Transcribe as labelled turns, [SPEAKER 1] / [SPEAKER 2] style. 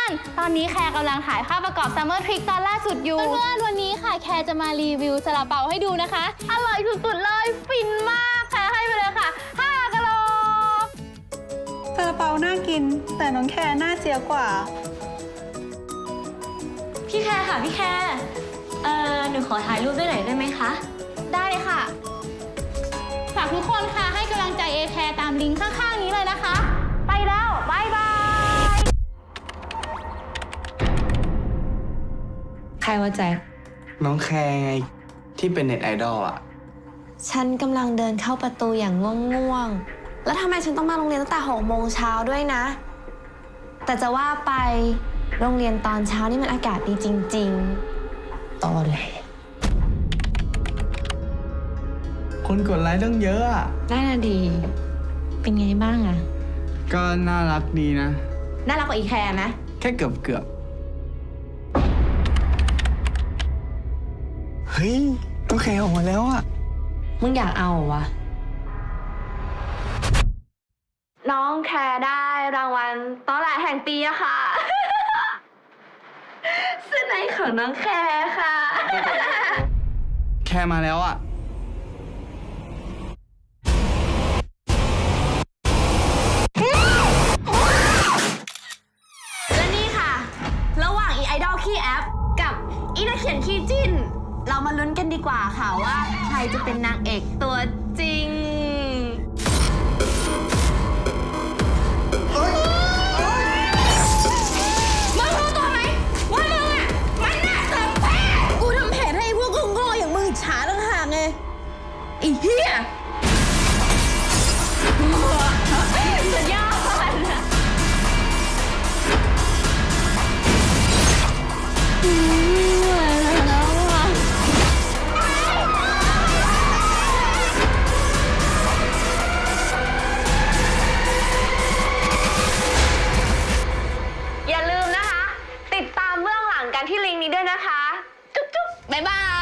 [SPEAKER 1] อนๆตอนนี้แคร์กำลังถ่ายภาพประกอบ Summer Trick ตอนล่าสุดอยู่เพื่อนๆวันนี้ค่ะแคร์จะมารีวิวซาลาเปาให้ดูนะคะอร่อยสุดๆเลยฟินมากแคร์ให้ไปเลยค่ะ5 กะโหลก
[SPEAKER 2] ซาลาเปาน่ากินแต่น้องแคร์น่าเจียกว่า
[SPEAKER 3] พี่แคร์ค่ะพี่แคร์หนูขอถ่ายรูปด้วยหน่อยได้ไหมคะ
[SPEAKER 1] ได้เลยค่ะฝากทุกคนค่ะให้กำลังใจเอแคร์ตามลิงก์ข้างๆนี้เลยนะคะไปแล้วบายบาย
[SPEAKER 3] ใครว่าแจ็ค
[SPEAKER 4] น้องแคร์ไงที่เป็นเน็ตไอดอลอ่ะ
[SPEAKER 5] ฉันกำลังเดินเข้าประตูอย่างง่วงๆแล้วทำไมฉันต้องมาโรงเรียนตั้งแต่6 โมงเช้าด้วยนะ แต่จะว่าไปโรงเรียนตอนเช้านี่มันอากาศดีจริงๆตอนเลย
[SPEAKER 4] คนกดไลค์ตั้งเยอะอ่ะ
[SPEAKER 5] น่าดี เป็นไงบ้างอะ
[SPEAKER 4] ก็น่ารักดีนะ
[SPEAKER 5] น่ารักกว่าอีแคร์ไหม
[SPEAKER 4] แค่เกือบเฮ้ยน้องแคร์ออกมาแล้วอ่ะ
[SPEAKER 5] มึงอยากเอาวะน้องแคร์ได้รางวัลตอแหลแห่งปีอะค่ะเสื้อในของน้องแคร์ค่ะ
[SPEAKER 4] แคร์มาแล้วอ่ะ
[SPEAKER 5] และนี่ค่ะระหว่างอีไอดอลขี้แอปกับอีนักเขียนขี้จิ้นเรามาลุ้นกันดีกว่าค่ะว่าใครจะเป็นนางเอกตัวจริงมึงรู้ตัวไหมว่ามึงอ่ะมันน่ะเติมแพ้กูทำแผนให้พวกโง่ๆอย่างมึงฉาต่างหากไงไอ้เหี้ยสุดยอดอย่าลืมนะคะติดตามเบื้องหลังกันที่ลิงก์นี้ด้วยนะคะจุ๊บๆบ๊ายบาย